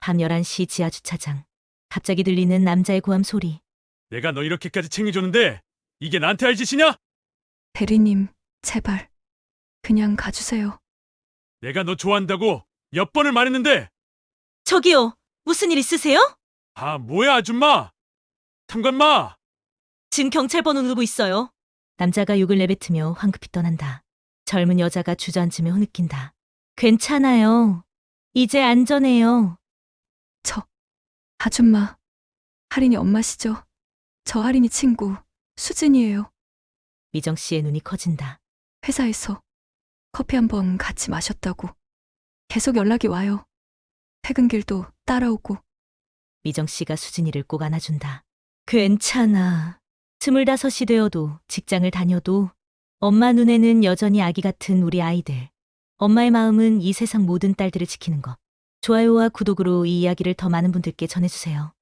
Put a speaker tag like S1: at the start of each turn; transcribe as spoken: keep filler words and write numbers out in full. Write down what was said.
S1: 밤 열한 시 지하 주차장. 갑자기 들리는 남자의 고함 소리.
S2: 내가 너 이렇게까지 챙겨줬는데 이게 나한테 할 짓이냐?
S3: 대리님, 제발. 그냥 가주세요.
S2: 내가 너 좋아한다고 몇 번을 말했는데.
S1: 저기요, 무슨 일 있으세요?
S2: 아, 뭐야 아줌마. 탐관마.
S1: 지금 경찰 번호 누르고 있어요. 남자가 욕을 내뱉으며 황급히 떠난다. 젊은 여자가 주저앉으며 흐느낀다. 괜찮아요. 이제 안전해요.
S3: 저, 아줌마. 할인이 엄마시죠? 저 할인이 친구, 수진이에요.
S1: 미정 씨의 눈이 커진다.
S3: 회사에서 커피 한 번 같이 마셨다고. 계속 연락이 와요. 퇴근길도 따라오고.
S1: 미정 씨가 수진이를 꼭 안아준다. 괜찮아. 스물다섯이 되어도 직장을 다녀도 엄마 눈에는 여전히 아기 같은 우리 아이들. 엄마의 마음은 이 세상 모든 딸들을 지키는 것. 좋아요와 구독으로 이 이야기를 더 많은 분들께 전해주세요.